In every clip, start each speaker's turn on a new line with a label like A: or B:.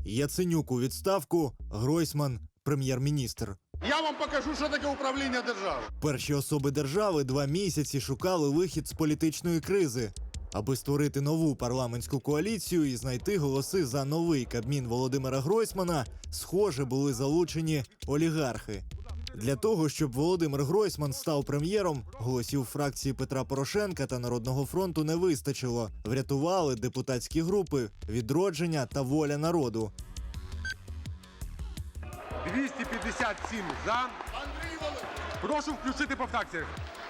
A: Яценюк у відставку, Гройсман – прем'єр-міністр.
B: Я вам покажу, що таке управління державою.
A: Перші особи держави 2 місяці шукали вихід з політичної кризи, аби створити нову парламентську коаліцію і знайти голоси за новий Кабмін Володимира Гройсмана, схоже, були залучені олігархи. Для того, щоб Володимир Гройсман став прем'єром, голосів фракції Петра Порошенка та Народного фронту не вистачило. Врятували депутатські групи «Відродження» та «Воля народу».
B: 257 за. Прошу включити по фракціях.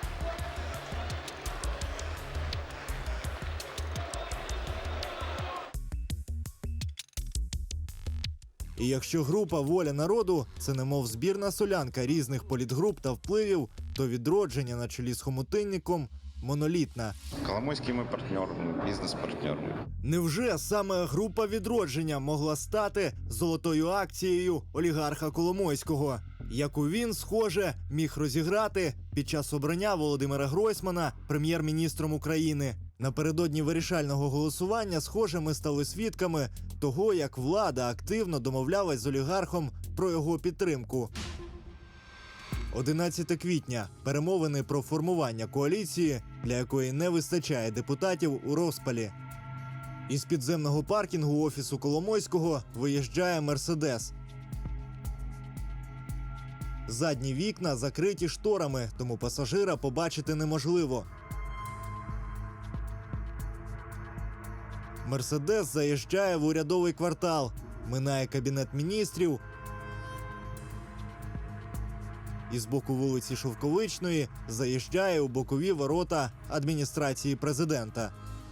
A: І якщо група «Воля народу» – це немов збірна солянка різних політгруп та впливів, то «Відродження» на чолі з Хомутинніком – монолітна.
C: Коломойський ми партнер, бізнес-партнер.
A: Невже саме група «Відродження» могла стати золотою акцією олігарха Коломойського, яку він, схоже, міг розіграти під час обрання Володимира Гройсмана прем'єр-міністром України? Напередодні вирішального голосування, схоже, ми стали свідками того, як влада активно домовлялась з олігархом про його підтримку. 11 квітня. Перемовини про формування коаліції, для якої не вистачає депутатів, у розпалі. Із підземного паркінгу офісу Коломойського виїжджає «Мерседес». Задні вікна закриті шторами, тому пасажира побачити неможливо. «Мерседес» заїжджає в урядовий квартал, минає Кабінет міністрів і з боку вулиці Шовковичної заїжджає у бокові ворота адміністрації президента.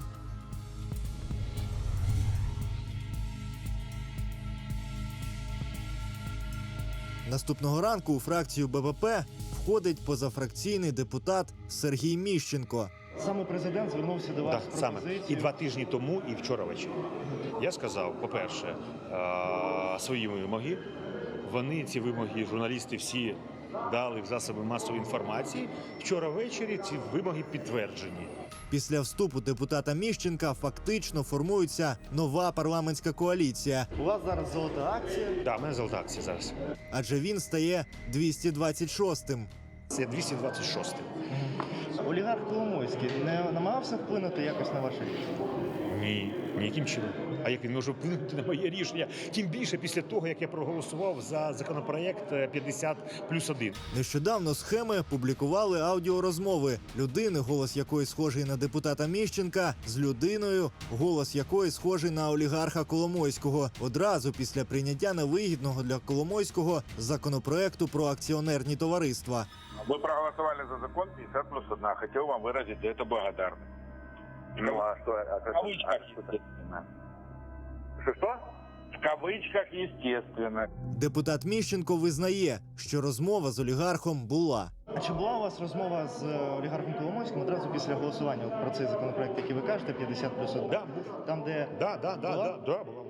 A: Наступного ранку у фракцію БПП входить позафракційний депутат Сергій Міщенко.
D: Саме президент звернувся до вас з
E: саме.
D: пропозицією.
E: І 2 тижні тому, і вчора ввечері. Я сказав, по-перше, свої вимоги. Вони, ці вимоги, журналісти всі дали в засоби масової інформації. Вчора ввечері ці вимоги підтверджені.
A: Після вступу депутата Міщенка фактично формується нова парламентська коаліція,
D: У вас зараз золота акція.
E: Так, в мене золота акція зараз.
A: адже він стає 226-м.
E: Це 226-й.
D: Олігарх Коломойський не намагався вплинути якось на ваше рішення?
E: Ні, ніяким чином. А як він може вплинути на моє рішення? Тим більше після того, як я проголосував за законопроект 50+1.
A: Нещодавно схеми публікували аудіорозмови людини, голос якої схожий на депутата Міщенка, з людиною, голос якої схожий на олігарха Коломойського, одразу після прийняття невигідного для Коломойського законопроекту про акціонерні товариства.
F: Вы проголосовали за закон 50+1. Хотел вам выразить за это благодарность.
G: Ну, а что?
F: В кавычках, естественно.
G: Что?
F: В кавычках, естественно.
A: Депутат Міщенко визнає, що розмова з олігархом була.
D: А чи була у вас розмова з олігархом Коломойським одразу після голосування про цей законопроект, який ви кажете, 50+1?
E: Да, був.
D: Там, де
E: Да, була.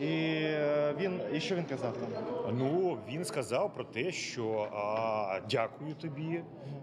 D: І що він казав там?
E: Ну, він сказав про те, що дякую тобі.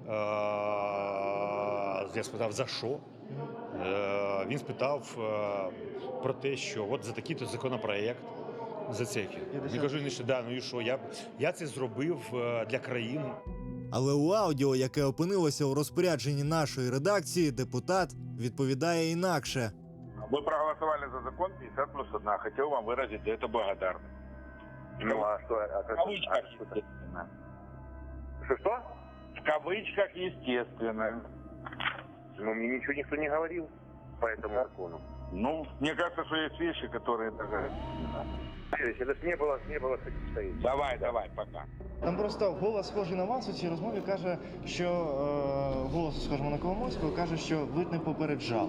E: Я спитав, за що? Він спитав про те, що от за такий-то законопроект, за це. Я кажу, що да, ну і що, я це зробив для країни.
A: Але у аудіо, яке опинилося у розпорядженні нашої редакції, депутат відповідає інакше.
F: Вы проголосовали за закон 50+1. Хотел вам выразить за это благодарность.
G: Ну, а что?
F: В кавычках, естественно.
G: Что?
F: В кавычках, естественно.
G: Ну, мне ничего никто не говорил по этому закону.
F: Ну, мне кажется, что есть вещи, которые даже...
G: Это ж не было стоит.
F: Давай, пока.
D: Там просто голос схожий на вас у цій розмові каже, що голос схожий на Коломойського каже, що ви не попереджали.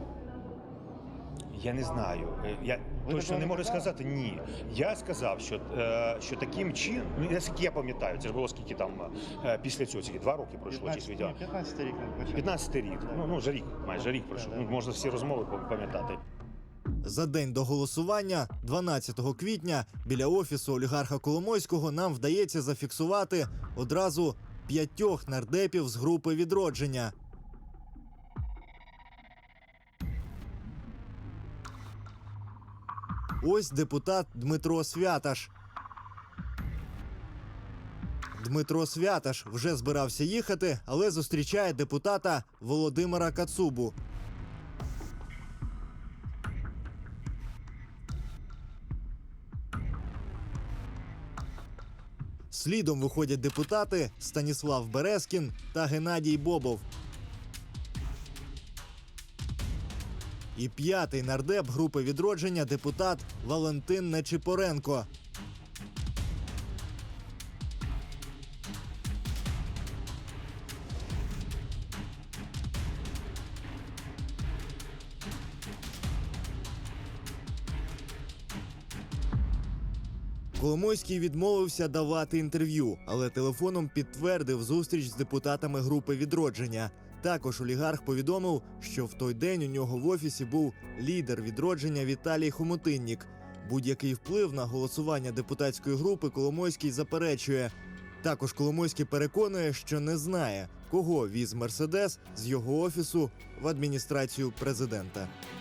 E: Я не знаю. Я точно не можу сказати ні. Я сказав, що таким чином, наскільки я пам'ятаю, це ж було скільки там після цього, 2 роки пройшло, чи
D: 15 рік не почав.
E: 15 рік. Ну, вже рік, майже рік пройшов. Ну, можна всі розмови пам'ятати.
A: За день до голосування, 12 квітня, біля офісу олігарха Коломойського нам вдається зафіксувати одразу 5 нардепів з групи «Відродження». Ось депутат Дмитро Святаш. Дмитро Святаш вже збирався їхати, але зустрічає депутата Володимира Кацубу. Слідом виходять депутати Станіслав Березкін та Геннадій Бобов. І п'ятий нардеп групи «Відродження» депутат Валентин Нечипоренко. Коломойський відмовився давати інтерв'ю, але телефоном підтвердив зустріч з депутатами групи «Відродження». Також олігарх повідомив, що в той день у нього в офісі був лідер «Відродження» Віталій Хомутиннік. Будь-який вплив на голосування депутатської групи Коломойський заперечує. Також Коломойський переконує, що не знає, кого віз «Мерседес» з його офісу в адміністрацію президента.